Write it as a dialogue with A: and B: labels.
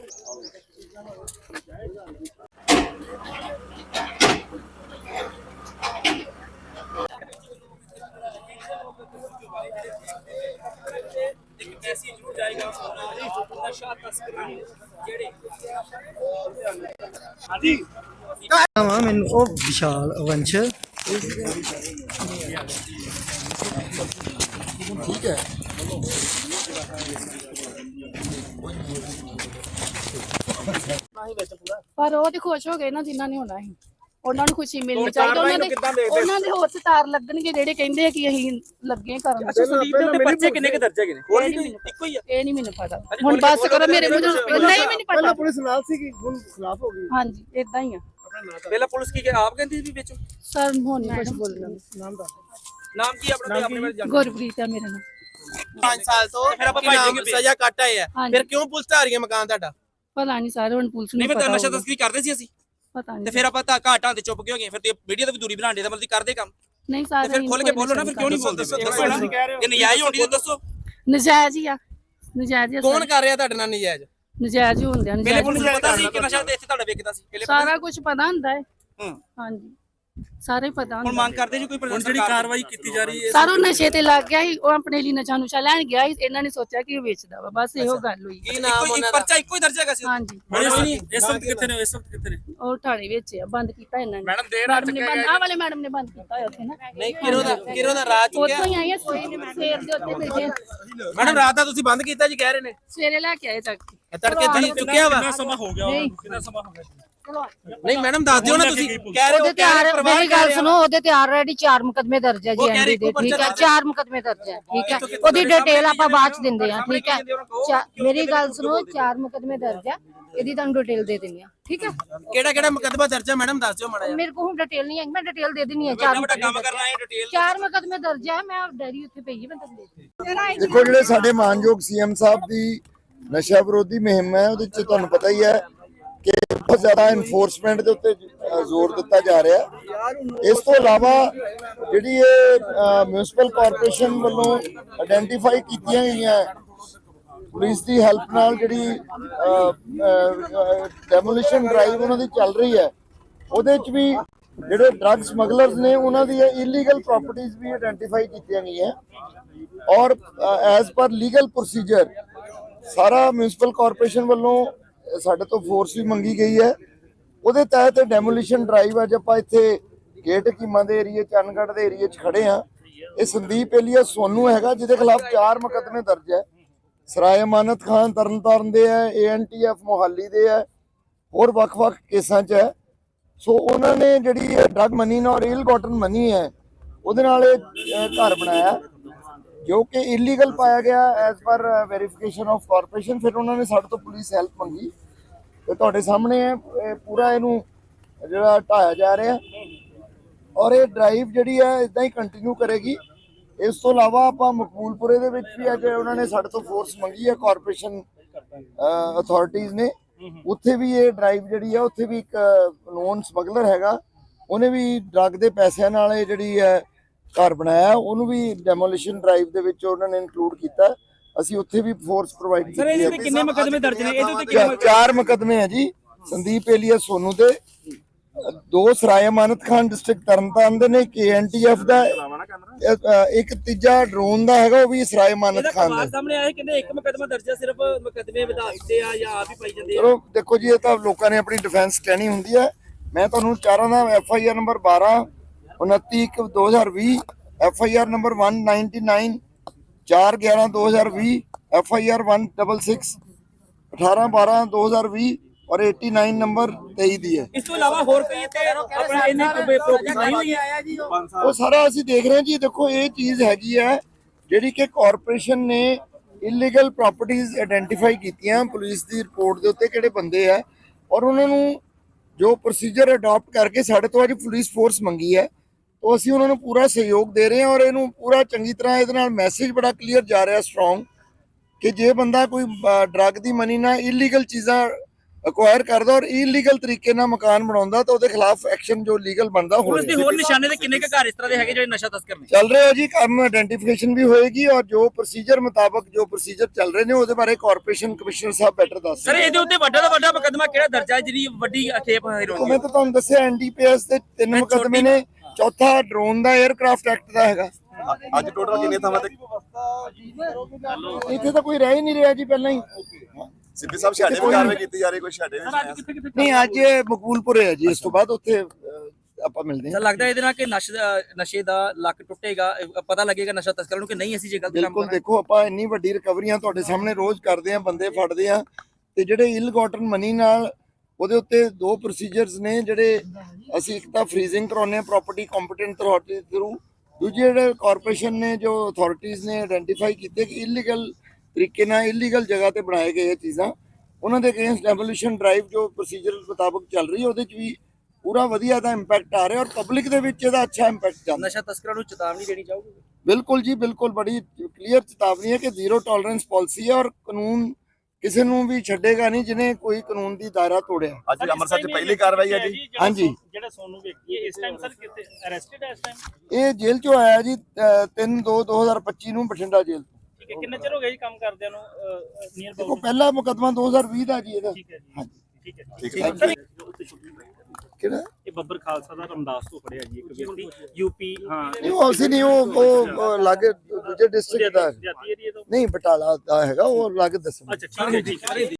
A: ਮੈਨੂੰ ਉਹ ਵਿਸ਼ਾਲ ਵੰਸ਼ ਠੀਕ ਹੈ।
B: ਪਰ ਉਹ ਤੇ ਖੁਸ਼ ਹੋ ਗਏ ਨਾ ਜਿਨ੍ਹਾਂ ਨੇ ਹੋਣਾ ਸੀ, ਉਹਨਾਂ ਨੂੰ ਖੁਸ਼ੀ ਮਿਲਣੀ ਚਾਹੀਦੀ। ਉਹਨਾਂ ਦੇ ਹੋਰ ਸਟਾਰ ਲੱਗਣਗੇ ਜਿਹੜੇ ਕਹਿੰਦੇ ਕਿ ਅਸੀਂ ਲੱਗੇ ਕਰਨ।
C: ਅੱਛਾ ਸੰਦੀਪ ਦੇ ਉੱਤੇ ਪਰਚੇ ਕਿੰਨੇ ਕ ਦਰਜ ਹੈਗੇ ਨੇ? ਹੋਰ ਵੀ ਇੱਕੋ ਹੀ ਆ?
B: ਇਹ ਨਹੀਂ ਮੈਨੂੰ ਪਤਾ, ਹੁਣ ਬਸ ਕਰੋ ਮੇਰੇ ਮੂੰਹ ਨਹੀਂ ਮੈਨੂੰ ਪਤਾ।
A: ਪੁਲਿਸ ਨਾਲ ਸੀਗੀ, ਹੁਣ ਖਿਲਾਫ ਹੋ ਗਈ।
B: ਹਾਂਜੀ ਇਦਾਂ ਹੀ ਆ।
C: ਪਹਿਲਾਂ ਪੁਲਿਸ ਕੀ ਆਪ ਕਹਿੰਦੀ ਸੀ ਵਿੱਚ
B: ਸਰ ਹੁਣ ਨਹੀਂ ਕੁਝ ਬੋਲਣਾ।
C: ਨਾਮ ਕੀ ਆਪਣਾ? ਆਪਣੇ ਬਾਰੇ ਜਾਣੋ।
B: ਗੁਰਪ੍ਰੀਤ ਆ ਮੇਰਾ ਨਾਮ।
D: 5 ਸਾਲ ਤੋਂ ਫਿਰ ਆਪਾਂ ਸਜ਼ਾ ਕੱਟ ਆਏ ਆ, ਫਿਰ ਕਿਉਂ ਪੁਲਿਸ ਢਾ ਰਹੀ ਹੈ ਮਕਾਨ ਤੁਹਾਡਾ?
B: ਪਤਾ ਨਹੀਂ ਸਰ, ਹੁਣ ਪੁਲਿਸ ਨੂੰ
C: ਨਹੀਂ
B: ਪਤਾ।
C: ਮੈਂ ਨਸ਼ਾ ਤਸਕਰੀ ਕਰਦੇ ਸੀ ਅਸੀਂ,
B: ਪਤਾ ਨਹੀਂ
C: ਤੇ ਫਿਰ ਆਪਾਂ ਘਾਟਾਂ ਤੇ ਚੁੱਪ ਕਿਉਂ ਗਏ? ਫਿਰ ਤੇ ਵੀਡੀਓ ਤੇ ਵੀ ਦੂਰੀ ਬਣਾਉਂਦੇ ਤਾਂ ਮਤਲਬ ਕਰਦੇ ਕੰਮ।
B: ਨਹੀਂ ਸਰ,
C: ਫਿਰ ਖੁੱਲ ਕੇ ਬੋਲੋ ਨਾ, ਫਿਰ ਕਿਉਂ ਨਹੀਂ ਬੋਲਦੇ? ਦੱਸੋ ਨਾ, ਇਹ ਨਜਾਇਜ਼ ਹੋਣੀ ਤਾਂ ਦੱਸੋ।
B: ਨਜਾਇਜ਼ ਹੀ ਆ, ਨਜਾਇਜ਼ ਹੀ।
D: ਕੌਣ ਕਰ ਰਿਹਾ ਤੁਹਾਡੇ ਨਾਲ ਨਜਾਇਜ਼?
B: ਨਜਾਇਜ਼ ਹੀ ਹੁੰਦੇ ਆ।
C: ਪਹਿਲੇ ਪੁਲਿਸ ਨੂੰ ਪਤਾ ਸੀ ਕਿ ਨਸ਼ਾ ਇੱਥੇ ਤੁਹਾਡਾ ਵਿਕਦਾ ਸੀ? ਪਹਿਲੇ
B: ਸਾਰਾ ਕੁਝ ਪਤਾ ਹੁੰਦਾ ਹੈ। ਹਾਂਜੀ ਸਾਰੇ ਪਤਾ ਹੁੰਦਾ।
C: ਹੁਣ ਮੰਗ ਕਰਦੇ ਜੀ ਕੋਈ ਪ੍ਰਸ਼ਾਸਨ ਜਿਹੜੀ ਕਾਰਵਾਈ ਕੀਤੀ ਜਾ ਰਹੀ ਹੈ?
B: ਸਾਰਾ ਨਸ਼ੇ ਤੇ ਲੱਗ ਗਿਆ ਸੀ, ਉਹ ਆਪਣੇ ਲਈ ਨਸ਼ਾ ਨੁਸ਼ਾ ਲੈਣ ਗਿਆ ਸੀ। ਇਹਨਾਂ ਨੇ ਸੋਚਿਆ ਕਿ ਉਹ ਵੇਚਦਾ ਵਾ, ਬਸ ਇਹੋ ਗੱਲ ਹੋਈ।
D: ਕੀ ਨਾਮ ਉਹਨਾਂ ਦਾ?
C: ਪਰਚਾ ਇੱਕੋ ਹੀ ਦਰਜ ਹੈਗਾ ਸੀ?
B: ਹਾਂਜੀ।
C: ਇਸ ਵਕਤ ਕਿੱਥੇ ਨੇ? ਇਸ ਵਕਤ ਕਿੱਥੇ ਨੇ?
B: ਉਹ ਥਾਣੇ ਵਿੱਚ ਆ, ਬੰਦ ਕੀਤਾ ਇਹਨਾਂ ਨੇ।
C: ਮੈਡਮ ਦੇਰ ਰਾਤ
B: ਆਹ ਵਾਲੇ ਮੈਡਮ ਨੇ ਬੰਦ ਕੀਤਾ ਹੋਇਆ ਉੱਥੇ ਨਾ।
D: ਨਹੀਂ ਕਿਰੋ ਦਾ ਰਾਤ ਚੁੱਕਿਆ?
B: ਉੱਥੋਂ ਹੀ ਆਈ ਆ, ਸਵੇਰ ਦੇ ਉੱਤੇ ਬੈਠੇ।
D: ਮੈਡਮ ਰਾਤ ਦਾ ਤੁਸੀਂ ਬੰਦ ਕੀਤਾ ਜੀ ਕਹਿ ਰਹੇ ਨੇ?
B: ਸਵੇਰੇ ਲੈ ਕੇ ਆਏ ਚੱਕ ਕੇ।
D: ਤੜਕੇ ਤੁਸੀਂ ਚੁੱਕਿਆ ਵਾ?
C: ਕਿੰਨਾ ਸਮਾਂ ਹੋ ਗਿਆ? ਕਿੰਨਾ ਸਮਾਂ ਹੋ ਗਿਆ?
D: ਨਹੀਂ ਮੈਡਮ ਦੱਸ ਦਿਓ ਨਾ, ਤੁਸੀਂ ਕਹਿ ਰਹੇ ਹੋ।
E: ਉਹਦੇ ਤੇ ਮੇਰੀ ਗੱਲ ਸੁਣੋ, ਉਹਦੇ ਤੇ ਆਲਰੇਡੀ 4 ਮੁਕਦਮੇ ਦਰਜ ਹੈ ਜੀ ਐਨਡੀ ਦੇ। ਠੀਕ ਹੈ, 4 ਮੁਕਦਮੇ ਦਰਜ ਹੈ। ਠੀਕ ਹੈ, ਉਹਦੀ ਡਿਟੇਲ ਆਪਾਂ ਬਾਅਦ ਚ ਦਿੰਦੇ ਆ। ਠੀਕ ਹੈ, ਮੇਰੀ ਗੱਲ ਸੁਣੋ, 4 ਮੁਕਦਮੇ ਦਰਜ ਹੈ, ਇਹਦੀ ਤੁਹਾਨੂੰ ਡਿਟੇਲ ਦੇ ਦਿੰਦੀ ਆ। ਠੀਕ ਹੈ,
D: ਕਿਹੜਾ ਮੁਕੱਦਮਾ ਦਰਜ ਹੈ ਮੈਡਮ ਦੱਸ ਦਿਓ ਮਾੜਾ ਜਿਹਾ।
E: ਮੇਰੇ ਕੋਲ ਹੁਣ ਡਿਟੇਲ ਨਹੀਂ ਹੈ, ਮੈਂ ਡਿਟੇਲ ਦੇ ਦਿੰਨੀ ਆ। 4 ਮੁਕਦਮੇ ਦਰਜ ਹੈ, ਮੈਂ ਡਾਇਰੀ ਉੱਥੇ ਪਈ ਹੈ, ਮੈਂ ਤੁਹਾਨੂੰ
A: ਦੇਖੋ ਜਿਹੜੇ ਸਾਡੇ ਮਾਨਯੋਗ ਸੀਐਮ ਸਾਹਿਬ ਦੀ ਨਸ਼ਾ ਵਿਰੋਧੀ ਮੁਹਿੰਮ ਹੈ, ਉਹਦੇ ਚ ਤੁਹਾਨੂੰ ਪਤਾ ਹੀ ਹੈ ਕਿ ਬਹੁਤ ਜ਼ਿਆਦਾ ਇਨਫੋਰਸਮੈਂਟ ਦੇ ਉੱਤੇ ਜ਼ੋਰ ਦਿੱਤਾ ਜਾ ਰਿਹਾ। ਇਸ ਤੋਂ ਇਲਾਵਾ ਜਿਹੜੀ ਇਹ ਮਿਊਨਿਸਪਲ ਕਾਰਪੋਰੇਸ਼ਨ ਵੱਲੋਂ ਆਇਡੈਂਟੀਫਾਈ ਕੀਤੀਆਂ ਗਈਆਂ ਪੁਲਿਸ ਦੀ ਹੈਲਪ ਨਾਲ ਜਿਹੜੀ ਡੈਮੋਲੀਸ਼ਨ ਡਰਾਈਵ ਉਹਨਾਂ ਦੀ ਚੱਲ ਰਹੀ ਹੈ, ਉਹਦੇ ਚ ਵੀ ਜਿਹੜੇ ਡਰੱਗ ਸਮਗਲਰਸ ਨੇ ਉਹਨਾਂ ਦੀ ਇਲੀਗਲ ਪ੍ਰਾਪਰਟੀਆਂ ਵੀ ਆਇਡੈਂਟੀਫਾਈ ਕੀਤੀਆਂ ਗਈਆਂ ਔਰ ਐਜ਼ ਪਰ ਲੀਗਲ ਪ੍ਰੋਸੀਜਰ ਸਾਰਾ ਮਿਊਨਿਸਪਲ ਕਾਰਪੋਰੇਸ਼ਨ ਵੱਲੋਂ ਸਾਡੇ ਤੋਂ ਫੋਰਸ ਵੀ ਮੰਗੀ ਗਈ ਹੈ। ਉਹਦੇ ਤਹਿਤ ਡੈਮੋਲੀਸ਼ਨ ਡਰਾਈਵ ਅੱਜ ਆਪਾਂ ਇੱਥੇ ਗੇਟ ਹਕੀਮਾਂ ਦੇ ਏਰੀਏ ਚੰਨਗੜ੍ਹ ਦੇ ਏਰੀਏ 'ਚ ਖੜੇ ਆ। ਇਹ ਸੰਦੀਪ ਏਲੀਅਸ ਸੋਨੂ ਹੈਗਾ ਜਿਹਦੇ ਖਿਲਾਫ 4 ਮੁਕੱਦਮੇ ਦਰਜ ਹੈ। ਸਰਾਏ ਅਮਾਨਤ ਖਾਨ ਤਰਨਤਾਰਨ ਦੇ ਹੈ, ANTF ਮੋਹਾਲੀ ਦੇ ਹੈ, ਹੋਰ ਵੱਖ-ਵੱਖ ਕੇਸਾਂ 'ਚ ਹੈ। ਸੋ ਉਹਨਾਂ ਨੇ ਜਿਹੜੀ ਡਰੱਗ ਮਨੀ ਨਾਲ ਇਲ ਗੋਟਨ ਮਨੀ ਹੈ ਉਹਦੇ ਨਾਲ ਇਹ ਘਰ ਬਣਾਇਆ ਜੋ ਕਿ ਇਲੀਗਲ ਪਾਇਆ ਗਿਆ as per verification of corporation. ਫਿਰ ਉਹਨਾਂ ਨੇ ਸਾਡੇ ਤੋਂ ਪੁਲਿਸ ਹੈਲਪ ਮੰਗੀ ਤੇ ਤੁਹਾਡੇ ਸਾਹਮਣੇ ਹੈ ਪੂਰਾ ਇਹਨੂੰ ਜਿਹੜਾ ਢਾਇਆ ਜਾ ਰਿਹਾ ਔਰ ਇਹ ਡਰਾਈਵ ਜਿਹੜੀ ਹੈ ਇਦਾਂ ਹੀ ਕੰਟੀਨਿਊ ਕਰੇਗੀ। ਇਸ ਤੋਂ ਇਲਾਵਾ ਆਪਾਂ ਮਕਬੂਲਪੁਰੇ ਦੇ ਵਿੱਚ ਵੀ ਅੱਜ ਉਹਨਾਂ ਨੇ ਸਾਡੇ ਤੋਂ ਫੋਰਸ ਮੰਗੀ ਹੈ ਕਾਰਪੋਰੇਸ਼ਨ ਅਥਾਰਟੀਜ਼ ਨੇ, ਉੱਥੇ ਵੀ ਇਹ ਡਰਾਈਵ ਜਿਹੜੀ ਹੈ ਉੱਥੇ ਵੀ ਇੱਕ ਨੋਨ ਸਮਗਲਰ ਹੈਗਾ, ਉਹਨੇ ਵੀ ਡਰੱਗ ਦੇ ਪੈਸਿਆਂ ਨਾਲ ਇਹ ਜਿਹੜੀ ਹੈ ਘਰ ਬਣਾਇਆ, ਉਹਨੂੰ ਵੀ ਡੈਮੋਲੀਸ਼ਨ ਡਰਾਈਵ ਦੇ ਵਿੱਚ ਉਹਨਾਂ ਨੇ ਇਨਕਲੂਡ ਕੀਤਾ। ਅਸੀਂ ਉੱਥੇ ਵੀ ਫੋਰਸ ਪ੍ਰੋਵਾਈਡ ਕੀਤੀ ਹੈ।
C: ਕਿੰਨੇ ਮੁਕੱਦਮੇ ਦਰਜ ਨੇ ਇਹਦੇ ਉੱਤੇ?
A: 4 ਮੁਕੱਦਮੇ ਹੈ ਜੀ। ਸੰਦੀਪ ਏਲੀਅਸ ਸੋਨੂ ਦੇ 2 ਸਰਾਏ ਅਮਾਨਤ ਖਾਨ ਡਿਸਟ੍ਰਿਕਟ ਤਰਨਤਾਰਨ ਦੇ ਨੇ, ANTF ਦਾ ਇੱਕ ਤੀਜਾ ਡਰੋਨ ਦਾ ਹੈਗਾ, ਉਹ ਵੀ ਸਰਾਏ ਅਮਾਨਤ ਖਾਨ ਦਾ।
C: ਸਾਹਮਣੇ ਆਏ ਕਹਿੰਦੇ 1 ਮੁਕੱਦਮਾ ਦਰਜ ਹੈ, ਸਿਰਫ ਮੁਕੱਦਮੇ ਵਧਾ ਦਿੱਤੇ ਆ ਜਾਂ ਆਪ ਹੀ ਪਾਈ ਜਾਂਦੇ ਆ।
A: ਚਲੋ ਦੇਖੋ ਜੀ, ਇਹ ਤਾਂ ਲੋਕਾਂ ਨੇ ਆਪਣੀ ਡਿਫੈਂਸ ਕਹਿਣੀ ਹੁੰਦੀ ਹੈ। ਮੈਂ ਤੁਹਾਨੂੰ ਚਾਰਾਂ ਦਾ FIR number 12 29/1/2020, FIR number 199 4/11/2020, FIR 166 18/12/2020 ਔਰ 89 ਨੰਬਰ 23 ਦੀ ਹੈ।
C: ਇਸ ਤੋਂ ਇਲਾਵਾ ਹੋਰ ਕੋਈ ਇੱਥੇ ਆਪਣਾ ਇਹਨੇ ਪ੍ਰੋਪਰਟੀ ਨਹੀਂ ਹੋਈ ਹੈ?
A: ਉਹ ਸਾਰਾ ਅਸੀਂ ਦੇਖ ਰਹੇ ਹਾਂ ਜੀ। ਦੇਖੋ ਇਹ ਚੀਜ਼ ਹੈਗੀ ਹੈ ਜਿਹੜੀ ਕਿ ਕਾਰਪੋਰੇਸ਼ਨ ਨੇ ਇਲੀਗਲ ਪ੍ਰਾਪਰਟੀਆਂ ਆਇਡੈਂਟੀਫਾਈ ਕੀਤੀਆਂ ਪੁਲਿਸ ਦੀ ਰਿਪੋਰਟ ਦੇ ਉੱਤੇ ਕਿਹੜੇ ਬੰਦੇ ਆ ਔਰ ਉਹਨਾਂ ਨੂੰ ਜੋ ਪ੍ਰੋਸੀਜਰ ਅਡਾਪਟ ਕਰਕੇ ਸਾਡੇ ਤੋਂ ਅੱਜ ਪੁਲਿਸ ਫੋਰਸ ਮੰਗੀ ਹੈ, तो ਅਸੀਂ ਉਹਨਾਂ ਨੂੰ ਪੂਰਾ ਸਹਿਯੋਗ ਦੇ ਰਹੇ ਹਾਂ ਔਰ ਇਹਨੂੰ ਪੂਰਾ ਚੰਗੀ ਤਰ੍ਹਾਂ ਇਹਦੇ ਨਾਲ ਮੈਸੇਜ ਬੜਾ ਕਲੀਅਰ ਜਾ ਰਿਹਾ ਸਟਰੋਂਗ ਕਿ ਜੇ ਬੰਦਾ ਕੋਈ ਡਰੱਗ ਦੀ ਮਨੀ ਨਾਲ ਇਲੀਗਲ ਚੀਜ਼ਾਂ ਅਕਵਾਇਰ ਕਰਦਾ ਔਰ ਇਲੀਗਲ ਤਰੀਕੇ ਨਾਲ ਮਕਾਨ ਬਣਾਉਂਦਾ ਤਾਂ ਉਹਦੇ ਖਿਲਾਫ ਐਕਸ਼ਨ ਜੋ ਲੀਗਲ ਬਣਦਾ ਹੋ
C: ਪੁਲਿਸ ਦੇ ਹੋਰ ਨਿਸ਼ਾਨੇ ਤੇ ਕਿੰਨੇ ਕੁ ਘਰ ਇਸ ਤਰ੍ਹਾਂ ਦੇ ਹੈਗੇ ਜਿਹੜੇ ਨਸ਼ਾ ਤਸਕਰ ਨੇ?
A: ਚੱਲ ਰਿਹਾ ਜੀ ਕੰਮ, ਆਇਡੈਂਟੀਫਿਕੇਸ਼ਨ ਵੀ ਹੋਏਗੀ ਔਰ ਜੋ ਪ੍ਰੋਸੀਜਰ ਮੁਤਾਬਕ ਜੋ ਪ੍ਰੋਸੀਜਰ ਚੱਲ ਰਹੇ ਨੇ ਉਹਦੇ ਬਾਰੇ ਕਾਰਪੋਰੇਸ਼ਨ ਕਮਿਸ਼ਨਰ ਸਾਹਿਬ ਬੈਟਰ ਦੱਸ
C: ਸਰ ਇਹਦੇ ਉੱਤੇ ਵੱਡਾ ਤੋਂ ਵੱਡਾ ਮੁਕੱਦਮਾ ਕਿਹੜਾ ਦਰਜਾ ਹੈ ਜਿਹੜੀ ਵੱਡੀ ਅਖੇਪ ਹੈਰੋਇਨ
A: ਮੈਂ ਤਾਂ ਤੁਹਾਨੂੰ ਦੱਸਿਆ ਐਨਡੀਪੀਐਸ ਦੇ 3 ਮੁਕੱਦਮੇ ਨੇ, ਚੌਥਾ ਡਰੋਨ ਦਾ 에ਅਰਕ੍ਰਾਫਟ ਐਕਟ ਦਾ ਹੈਗਾ।
F: ਅੱਜ ਟੋਟਲ ਕਿੰਨੇ ਥਾਵਾਂ ਤੇ
A: ਇੱਥੇ ਤਾਂ ਕੋਈ ਰਹਿ ਹੀ ਨਹੀਂ ਰਿਹਾ ਜੀ ਪਹਿਲਾਂ ਹੀ।
F: ਸਿੱਧੀ ਸਾਹਿਬ ਛਾੜੇ ਵੀ ਕਾਰਵਾਈ ਕੀਤੀ ਜਾ ਰਹੀ, ਕੋਈ ਛਾੜੇ
A: ਨਹੀਂ ਅੱਜ ਇਹ ਮਕਬੂਲਪੁਰ ਹੈ ਜੀ, ਇਸ ਤੋਂ ਬਾਅਦ ਉੱਥੇ ਆਪਾਂ ਮਿਲਦੇ
C: ਸਰ
A: ਹਾਂ।
C: ਲੱਗਦਾ ਇਹਦੇ ਨਾਲ ਕਿ ਨਸ਼ੇ ਦਾ ਲੱਕ ਟੁੱਟੇਗਾ, ਪਤਾ ਲੱਗੇਗਾ ਨਸ਼ਾ ਤਸਕਰਾਂ ਨੂੰ ਕਿ ਨਹੀਂ ਅਸੀਂ ਜੇ ਗਲਤ ਕੰਮ
A: ਬਿਲਕੁਲ
C: ਕਰਨਾ।
A: ਦੇਖੋ ਆਪਾਂ ਇੰਨੀ ਵੱਡੀ ਰਿਕਵਰੀਆਂ ਤੁਹਾਡੇ ਸਾਹਮਣੇ ਰੋਜ਼ ਕਰਦੇ ਆ, ਬੰਦੇ ਫੜਦੇ ਆ, ਤੇ ਜਿਹੜੇ ਇਲਗੋਟਨ ਮਨੀ ਨਾਲ ਉਹਦੇ ਉੱਤੇ 2 ਪ੍ਰੋਸੀਜਰਸ ਨੇ ਜਿਹੜੇ ਅਸੀਂ, ਇੱਕ ਤਾਂ ਫਰੀਜ਼ਿੰਗ ਕਰਾਉਂਦੇ ਆ ਪ੍ਰਾਪਰਟੀ ਕੰਪੀਟੈਂਟ ਅਥਾਰਟੀ ਥਰੂ, ਦੂਜੇ ਜਿਹੜੇ ਕਾਰਪੋਰੇਸ਼ਨ ਨੇ ਜੋ ਅਥਾਰਟੀਜ਼ ਨੇ ਆਇਡੈਂਟੀਫਾਈ ਕੀਤੇ ਕਿ ਇਲੀਗਲ ਤਰੀਕੇ ਨਾਲ ਇਲੀਗਲ ਜਗ੍ਹਾ ਤੇ ਬਣਾਏ ਗਏ ਇਹ ਚੀਜ਼ਾਂ, ਉਹਨਾਂ ਦੇ ਅਗੇਂਸਟ ਡੈਮੋਲੀਸ਼ਨ ਡਰਾਈਵ ਜੋ ਪ੍ਰੋਸੀਜਰ ਮੁਤਾਬਕ ਚੱਲ ਰਹੀ ਹੈ ਉਹਦੇ 'ਚ ਵੀ ਪੂਰਾ ਵਧੀਆ ਦਾ ਇੰਪੈਕਟ ਆ ਰਿਹਾ ਔਰ ਪਬਲਿਕ ਦੇ ਵਿੱਚ ਇਹਦਾ ਅੱਛਾ ਇੰਪੈਕਟ ਜਾਂਦਾ।
C: ਨਸ਼ਾ ਤਸਕਰਾਂ ਨੂੰ ਚੇਤਾਵਨੀ ਦੇਣੀ ਚਾਹੋਗੇ?
A: ਬਿਲਕੁਲ ਜੀ ਬਿਲਕੁਲ, ਬੜੀ ਕਲੀਅਰ ਚੇਤਾਵਨੀ ਹੈ ਕਿ ਜ਼ੀਰੋ ਟੋਲਰੈਂਸ ਪਾਲਿਸੀ ਹੈ ਔਰ ਕਾਨੂੰਨ ਕਿਸੇ ਨੂੰ ਵੀ ਛੱਡੇਗਾ ਨਹੀਂ ਜਿਹਨੇ ਕੋਈ ਕਾਨੂੰਨ ਦੀ ਦਾਇਰਾ ਤੋੜਿਆ।
F: ਅੱਜ ਅੰਮ੍ਰਿਤਸਰ 'ਚ ਪਹਿਲੀ ਕਾਰਵਾਈ ਹੈ ਜੀ।
A: ਹਾਂਜੀ,
G: ਜਿਹੜਾ ਸੋਨੂ ਵਿਅਕਤੀ ਹੈ ਇਸ ਟਾਈਮ ਸਰ ਕਿਤੇ ਅਰੈਸਟਡ ਹੈ ਇਸ ਟਾਈਮ?
A: ਇਹ ਜੇਲ੍ਹ ਚੋਂ ਆਇਆ ਜੀ 3/2/2025 ਨੂੰ ਬਠਿੰਡਾ ਜੇਲ੍ਹ ਤੋਂ।
G: ਠੀਕ ਹੈ, ਕਿੰਨਾ ਚਿਰ ਹੋ ਗਿਆ ਜੀ ਕੰਮ ਕਰਦਿਆਂ ਨੂੰ ਨੀਅਰ
A: ਦੇਖੋ
G: ਅਬਾਊਟ?
A: ਪਹਿਲਾ ਮੁਕੱਦਮਾ 2020 ਦਾ ਜੀ ਇਹਦਾ।
G: ਠੀਕ ਹੈ ਜੀ,
A: ਹਾਂਜੀ
G: ਠੀਕ ਹੈ
F: ਠੀਕ
A: ਹੈ।
G: ਸਰ ਉੱਤੇ ਸ਼ੂਟਿੰਗ
A: ਕਿਹੜਾ
G: ਇਹ ਬੱਬਰ ਖਾਲਸਾ ਦਾ ਰਮਦਾਸ ਤੋਂ ਫੜਿਆ ਜੀ ਇੱਕ ਵਿਅਕਤੀ ਯੂਪੀ। ਹਾਂ
A: ਨਹੀਂ ਉਹ ਅਸੀਂ ਨਹੀਂ, ਉਹ ਲਾਗੇ ਦੂਜੇ ਡਿਸਟ੍ਰਿਕਟ ਦਾ
G: ਜਾਤੀ ਏਰੀਆ ਤੋਂ।
A: ਨਹੀਂ, ਬਟਾਲਾ ਦਾ ਹੈਗਾ, ਉਹ ਲਾਗੇ ਦੱਸਣਾ।
G: ਅੱਛਾ ਠੀਕ ਹੈ ਜੀ।